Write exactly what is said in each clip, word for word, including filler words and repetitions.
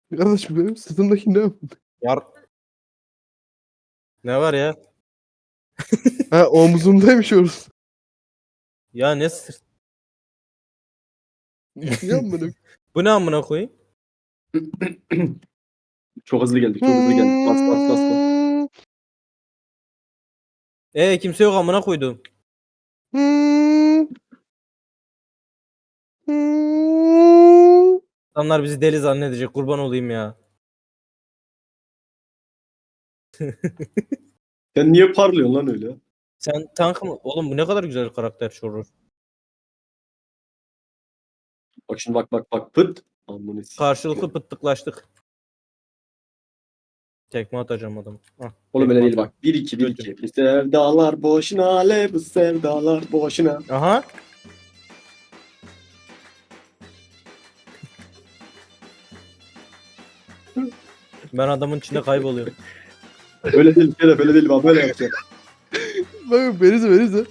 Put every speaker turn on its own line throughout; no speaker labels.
Kardeşim benim sırtımdaki ne?
Yar. Ne var ya?
Ha omzumdaymış orası.
Ya ne sırt?
Ne amına?
Bu ne amına koyayım?
Çok hızlı geldik, çok hızlı geldik. Bas bas bas bas.
E kimse yok amına koydum. İnsanlar bizi deli zannedecek. Kurban olayım ya.
Sen niye parlıyorsun lan öyle?
Sen tank mı? Oğlum bu ne kadar güzel karakter şurur.
Bak şimdi bak bak bak pıt. Amına sikeyim.
Karşılıklı pıttıklaştık. Tekme atacağım adam. Hah,
Oğlum
tekme
öyle değil
atıyorum.
bak. bir iki bir
Götür.
iki. Bu sevdalar boşuna ale bu sevdalar boşuna.
Aha. Ben adamın içinde kayboluyorum.
Öyle değil Şeref öyle değil bak böyle yapacağım.
Bak berize berize.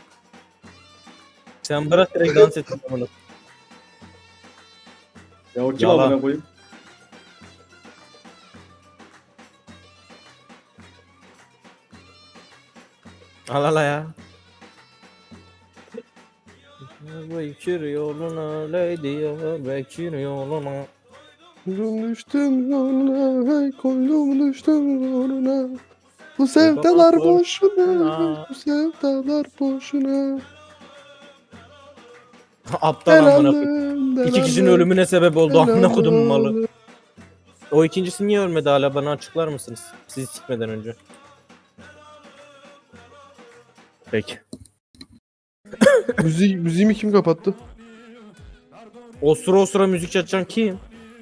Sen bırak direkt dans et amına.
Ya o kim
Yalan.
amına koyayım?
Al ala ya. Bekir yoluna lady ya, Bekir yoluna.
Koydum düştüm yoluna, hey koydum düştüm yoluna. Bu sevdalar boşuna, bu sevdalar boşuna.
Aptal amına koyayım. İki kişinin ölümüne sebep oldu amına kodum malı. O ikincisi niye ölmedi hala bana açıklar mısınız? Sizi sikmeden önce. Peki.
Müziği, müziğimi kim kapattı?
O sıra o sıra müzik açan kim?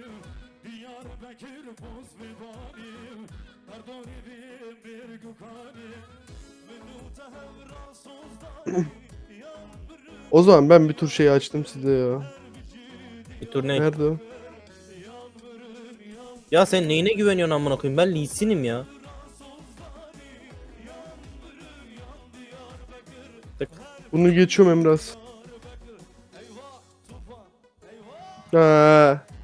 O zaman ben bir tur şeyi açtım size ya.
Bir tur ne?
Nerede o?
Ya sen neyine güveniyorsun amına koyayım? Ben Lee Sin'im ya. Tık.
Bunu geçiyorum Emraz. Ha.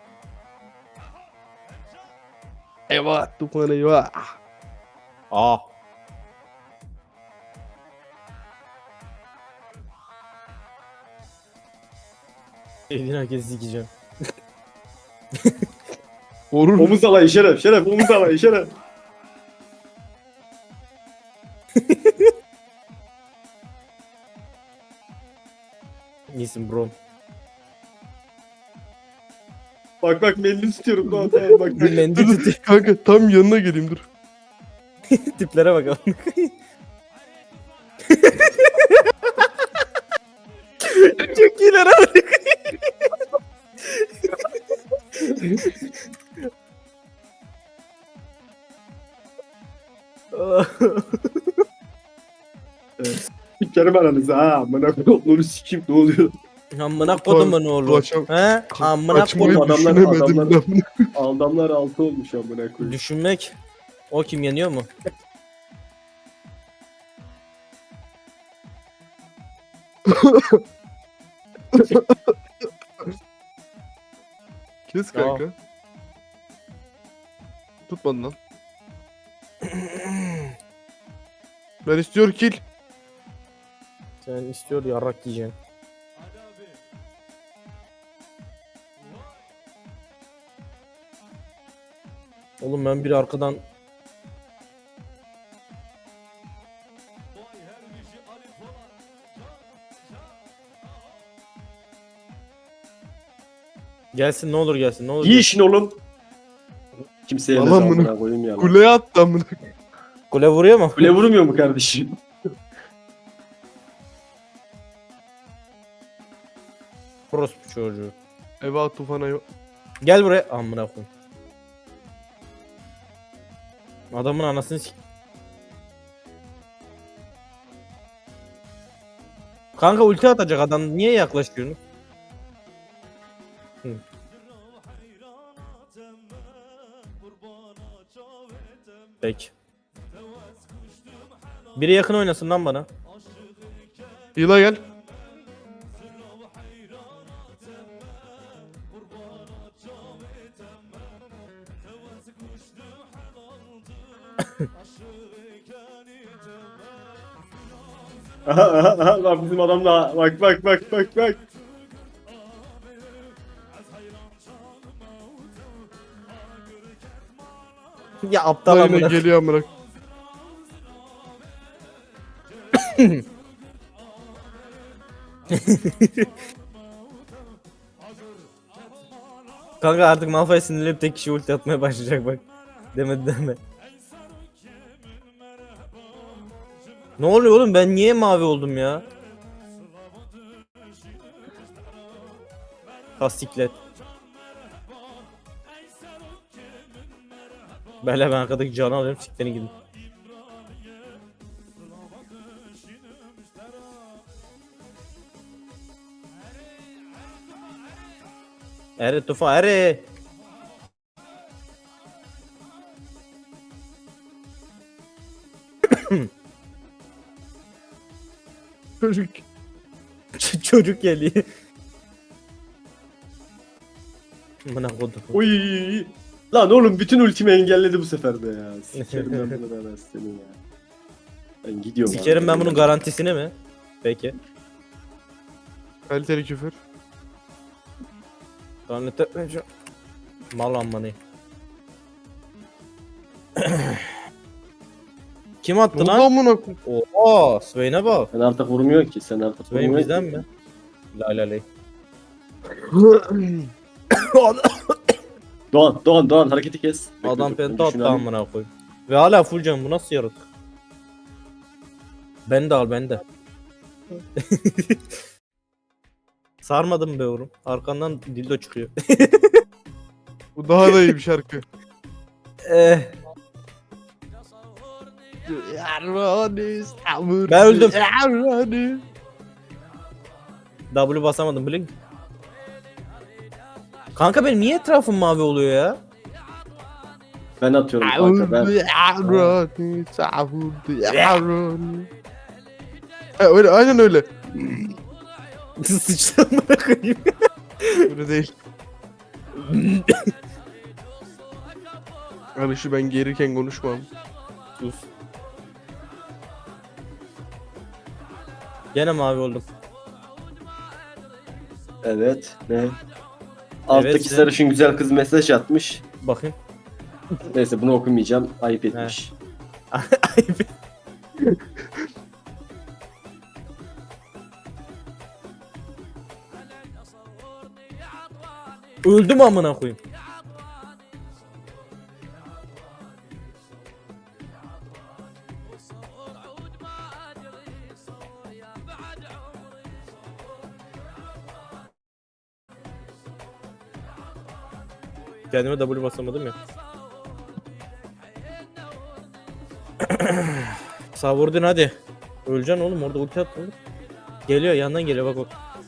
Eyvah, Tufan eyvah.
Aa. Elini herkes sikeceğim.
Vurur.
Omuz alayı Şeref Şeref omuz alayı Şeref.
İyisin bro.
Bak bak mendil istiyorum daha tamam bak.
Bir mendil
Dur,
tutuyor.
kanka tam yanına geleyim dur.
Tiplere bakalım. Çok iyiler abi.
Sikerim aranızı ha amına koyduğunu sikeyim ne oluyor?
Amına kodumun oğlu.
Ulaşam-
He? Amına
Açmayı
kodum.
adamlar-
düşünemedim
adamlar-
ben.
Adamlar altı olmuş amına koyayım.
Düşünmek. O kim yeniyor mu?
Kes kanka. Tutmadın lan. Ben istiyor kill.
Sen istiyor yarrak yiyeceksin. Oğlum ben bir arkadan gelsin ne olur gelsin ne olur.
İyi işin oğlum. Kimseye
Aman
ne
bunu-
amına koyayım ya. lan.
Kuleye attı amına.
Kule vuruyor mu?
Kule vurmuyor mu kardeşim?
Orospu çocuğu.
Eyvah Tufan eyvah.
Gel buraya. Amına koyayım. Adamın anasını sik. Kanka ulti atacak adam. Niye yaklaşıyorsun? Hı. Peki. Biri yakın oynasın lan bana.
Yıla gel.
Aha aha aha bak bizim adam da bak bak bak bak bak.
Ya aptal
Lan yine
amına.
geliyor amına.
Kanka artık Malphite sinirlenip tek kişi ulti atmaya başlayacak bak. Demedi deme. Ne oluyor oğlum, ben niye mavi oldum ya? Hassiklet. Böyle ben arkadaki canı alıyorum, siklerini gidin. Ere tufa ere.
Çocuk.
Ç- Çocuk geliyor. Bana kodum.
Oy. Lan oğlum bütün ultimi engelledi bu sefer de ya. Sikerim ben bunu ben seni ya. Ben gidiyorum.
Sikerim
abi.
ben bunun garantisini mi? Peki.
Kaliteli küfür.
Lanet etmeyeceğim. Mal ammanı. Kim attı
Ne
lan?
oldu amına koyayım?
Oo, Swain'e bak.
Sen artık vurmuyor ki. Sen artık
Swain
vurmuyor
bizden
ki.
mi? La la la.
Doğan, Doğan, Doğan hareketi kes. Bekle,
Adam
dur,
penta attı
düşünelim.
amına koy. Ve hala full can, bu nasıl yaratık? Ben de al, ben de. Sarmadım be oğlum. Arkandan dildo çıkıyor.
Bu daha da iyi bir şarkı.
Eh, Ben öldüm. W basamadım blink. Kanka benim niye etrafım mavi oluyor ya?
Ben atıyorum kanka ben.
Ha, öyle aynen öyle.
Sıçtım bırakayım.
Öyle değil. Hani şu ben gelirken konuşmam.
Sus. Gene mavi oldum.
Evet. Ne? Alttaki
sen-
sarışın güzel kız mesaj atmış.
Bakayım.
Neyse bunu okumayacağım. Ayıp etmiş.
Öldüm amına koyayım. Kendime W basamadım ya. Sağ vurdun hadi. Öleceksin oğlum, orada ulti attın. Geliyor, yandan geliyor bak bak.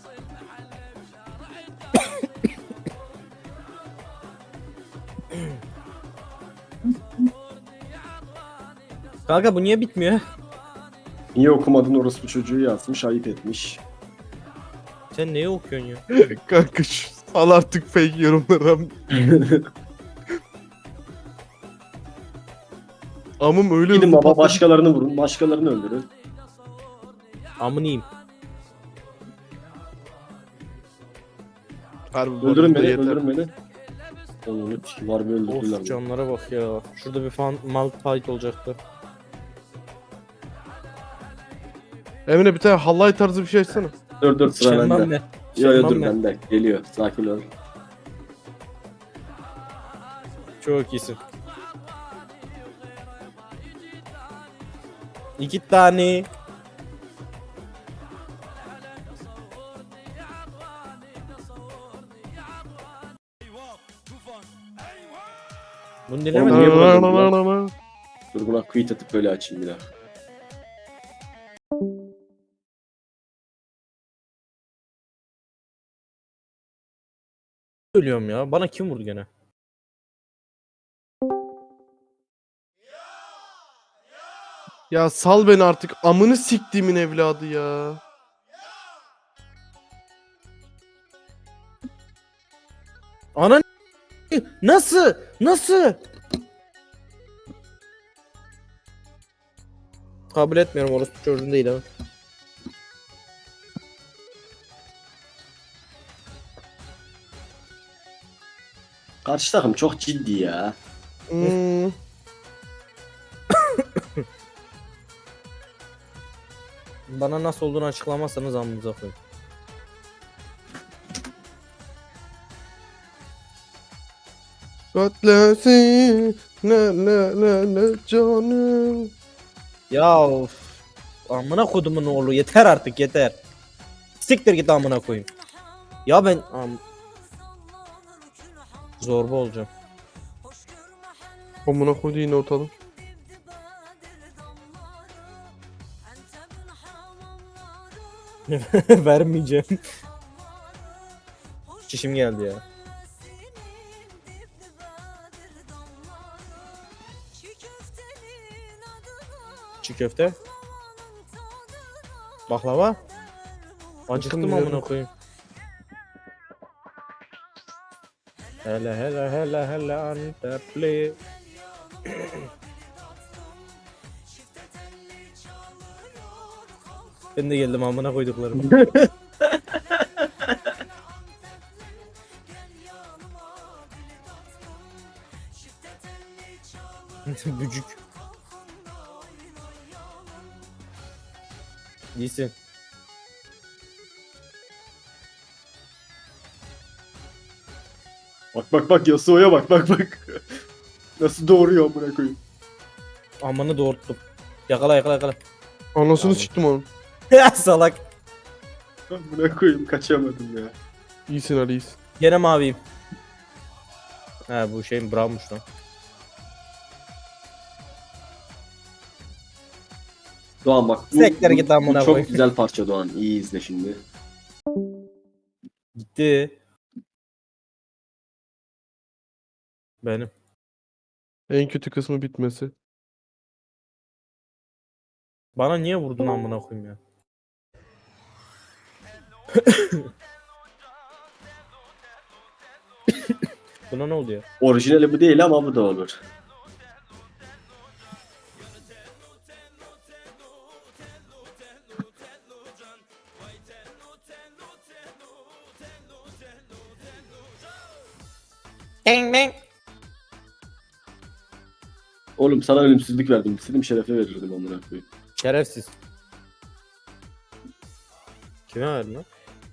Kanka bu niye bitmiyor?
Niye okumadın orospu çocuğu yazmış. Ayıp etmiş.
Sen neyi okuyorsun ya?
Kanka şu sal artık fake yorumlara. Amım öyle
Gidin
hızlı
baba
patladı.
başkalarını vurun. Başkalarını öldürün.
Amınıyım.
Harbi bu
Öldürün
arada
beni.
yeter.
Öldürün beni. Onu var bir öldürdüler.
Of canlara bak ya. Şurada bir fan mal fight olacaktı.
Emre bir tane halay tarzı bir şey açsana.
Dur dur sıra
Şenmem
bende.
ne?
Yo yo
Şenmem
dur
ne?
bende. Geliyor. Sakin ol.
Çok iyisin. İki tane. Bunu
Oğlum
dinlemedim.
niye buradın Dur buna quit atıp böyle açayım bir daha.
Ölüyorum ya. Bana kim vurdu gene?
Ya sal beni artık, amını siktiğimin evladı ya.
Ana nasıl? Nasıl? Kabul etmiyorum, orası çocuğun değil ama.
Karşı takım çok ciddi ya.
Hmm.
Bana nasıl olduğunu açıklamazsanız amınıza koyayım.
Katlesin ne ne ne ne canım.
Ya of. Amına kodumun oğlu, yeter artık yeter. Siktir git amına koyayım. Ya ben am... Zorba olacağım.
Amına koydu yine ortalık.
Vermeyeceğim. Çişim geldi ya. Çiğ köfte. Baklava. Acıktım
Bilmiyorum.
amına koyayım. Hele hele hele hele Antepli. Ben de geldim amına koyduklarım. Bücük. İyisin.
Bak bak bak Yasuo'ya bak bak bak. Nasıl doğuruyor amına koyayım.
Amanı doğurttum. Yakala yakala yakala.
Anasını
Tamam.
siktim onun.
Ya salak.
Amına koyayım kaçamadım ya.
İyisin Ali iyisin.
Gene maviyim. He bu şeyin brownmuş lan.
Doğan bak bu,
Sektere
bu-
git
bu
amına
çok
koyayım.
güzel parça Doğan. İyi izle şimdi.
Gitti. Benim.
En kötü kısmı bitmesi.
Bana niye vurdun amına koyayım ya? Buna ne oldu ya?
Orijinali bu değil ama bu da olur.
Bang bang.
Oğlum sana ölümsüzlük verdim. İstediğim şerefe verirdim amına koyayım.
Şerefsiz. Kime verdin lan?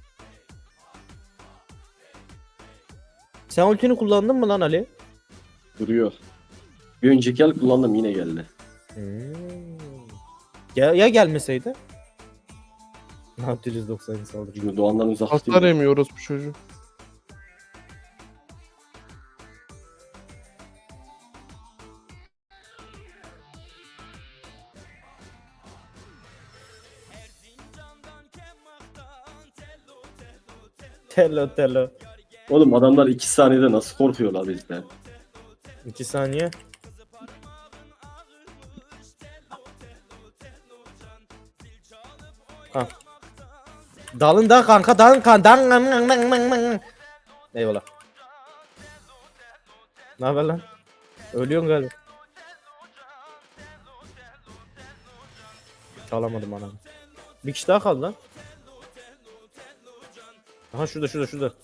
Sen ultini kullandın mı lan Ali?
Duruyor. Bir önceki el kullandım yine geldi.
Hmm. Ya, ya gelmeseydi? Nautilus doksan saldırı.
Şimdi Doğan'dan uzak
Hasar
değil.
yemiyoruz bu çocuğu.
Tello tello.
Oğlum adamlar iki saniyede nasıl korkuyorlar bizden?
iki saniye. Ha. Dalın da kanka dalın kanka. Eyvallah. Ne haber lan? Ölüyorsun galiba. Çalamadım anamı. Bir kişi daha kaldı lan. Aha şurada şurada şurada.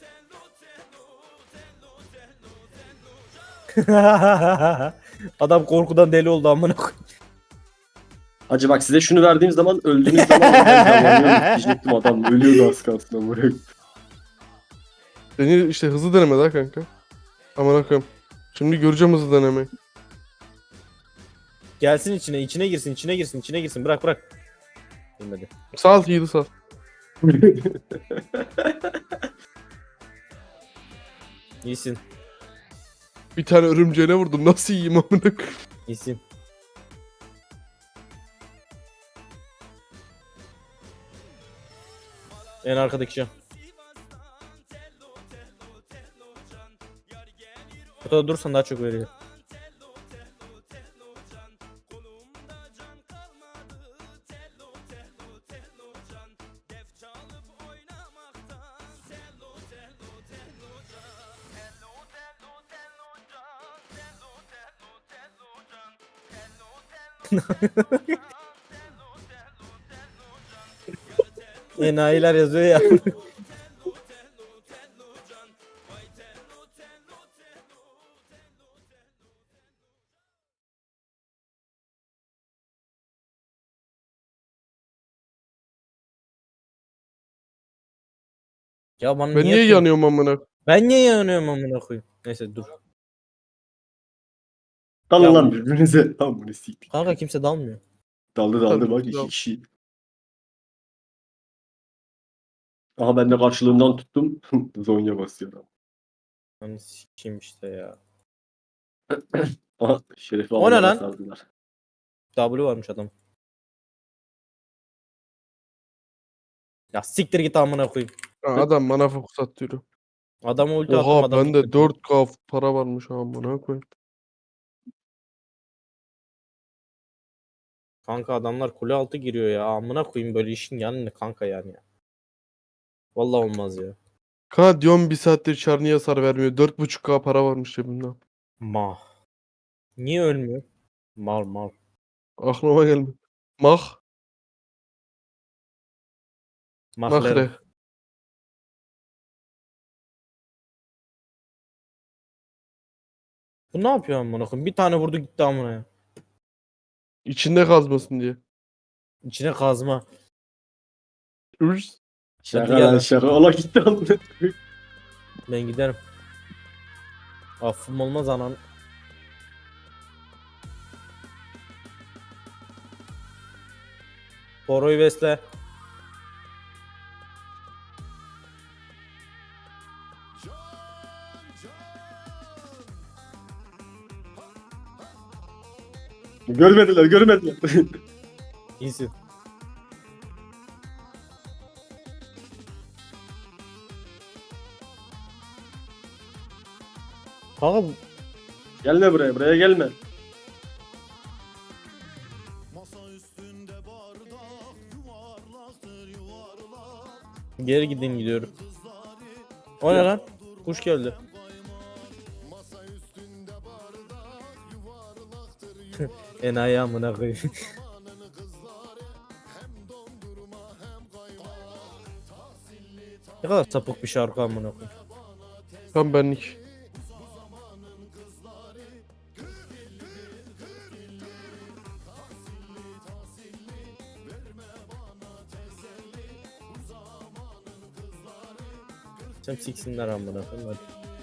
Adam korkudan deli oldu amına koyayım.
Hacı bak size şunu verdiğim zaman öldüğünüz zaman ben davranıyorum diyecektim adam ölüyordu az kalsın amına koyayım.
Seni işte hızlı deneme daha kanka. Aman koyayım. Şimdi göreceğim hızlı denemeyi.
Gelsin içine, içine girsin, içine girsin, içine girsin. Bırak bırak. Bilmedi.
Sal yiğidi sal.
İyisin.
Bir tane örümceğine vurdum. Nasıl yiyeyim amına koyayım?
İyisin. En arkadaki can. Burada durursan daha çok veriyor. Enayiler yazıyor ya. Ya bana
Ben niye
kız-
yanıyorum amına?
Ben niye yanıyorum amına koyayım? Neyse dur.
Dalın
Ya
lan
bu-
birbirinize. Lan bunu siktik.
Kanka kimse dalmıyor.
Daldı daldı
Tabii,
bak iki
dal.
kişi. Aha ben de karşılığından tuttum. Zonya basıyor.
Hani sikeyim işte ya.
Aha Şeref'i
O ne
alana
lan?
sardılar.
W varmış adam. Ya siktir git amına koyayım.
Ha, adam bana fokus atıyor.
Adama ulti attım
Oha
adam.
bende
gitti.
dört K para varmış amına koyayım.
Kanka adamlar kule altı giriyor ya. Amına koyayım böyle işin yanı ne kanka yani ya. Vallahi olmaz ya.
Kana diyorum bir saattir çar niye hasar vermiyor? dört buçuk K para varmış cebimde.
Mah. Niye ölmüyor? Mal mal.
Aklıma gelmedi. Mah.
Mahler.
Mahre.
Bu ne yapıyor amına koyayım? Bir tane vurdu gitti amına ya.
İçinde kazmasın diye.
İçine kazma.
Ürs.
Şaka
gel
lan
lan.
şaka. Ola gitti amına.
Ben giderim. Affım olmaz anan. Boro'yu besle.
Görmediler görmediler.
İyisin. Kanka bu-
Gelme buraya buraya gelme.
geri gideyim gidiyorum. O ne lan? Kuş geldi. Enayi amına koyayım. Ne kadar sapık bir şarkı amına koyayım.
Tam benlik.
Sen siksinler amına koyayım hadi.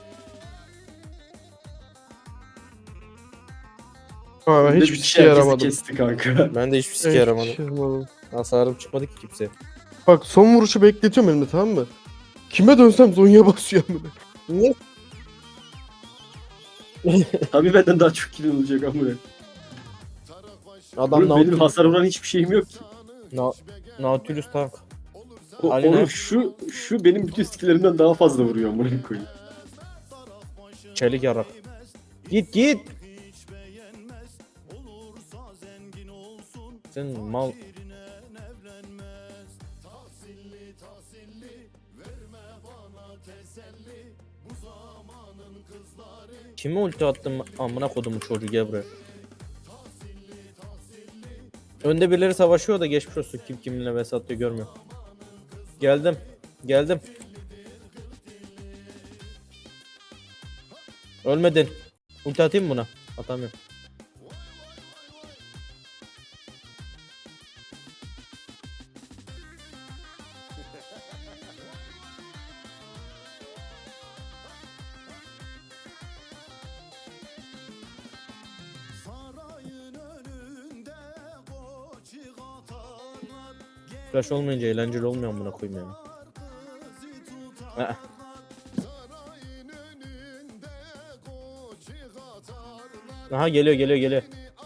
Ha ben
Bir de
hiçbir
bir
şey
herkesi
yaramadım.
kesti kanka.
Ben de hiçbir
Ben
sike
hiçbir
yaramadım.
şey yaramadım.
Hasarım çıkmadı ki kimseye.
Bak son vuruşu bekletiyorum elimde tamam mı? Kime dönsem Zonya basıyor amına.
Niye?
Tabii benden daha çok kill olacak amına.
Adam
Oğlum benim
Nautilus.
hasar vuran hiçbir şeyim yok ki.
Na Nautilus tank.
O,
Ali ne?
oğlum şu şu benim bütün skillerimden daha fazla vuruyor amına koyayım.
Çelik yarak. Git git. Sen mal. Kime ulti attım amına kodumu çocuğu gel buraya. Önde birileri savaşıyor da geçmiş olsun kim kiminle vs atıyor görmüyorum. Geldim. Geldim. Ölmedin. Ulti atayım mı buna? Atamıyorum. Flash olmayınca eğlenceli olmuyor amına koyayım yani. Aa. Aha geliyor geliyor geliyor.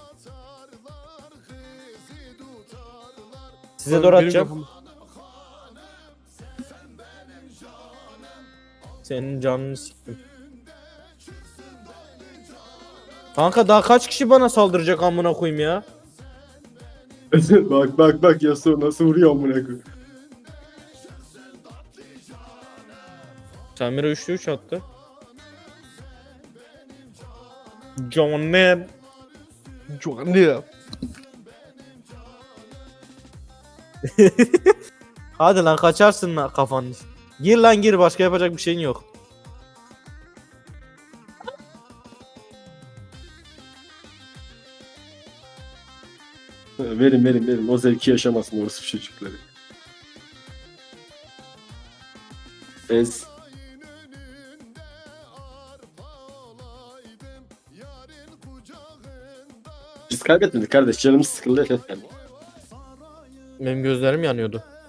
Size doğru
Benim
atacağım.
kafam-
Senin canını siktim. Kanka daha kaç kişi bana saldıracak amına koyayım ya?
bak bak bak Yasuo nasıl vuruyor amına koyayım.
Samira üçlü üç attı. Johnny.
Çok ne ya?
Hadi lan kaçarsın lan kafanı. Gir lan gir, başka yapacak bir şeyin yok.
Verin verin verin. O zevki yaşamasın orası çocukları. Ez. Biz kaybetmedik kardeş. Canımız sıkıldı efendim.
Benim gözlerim yanıyordu.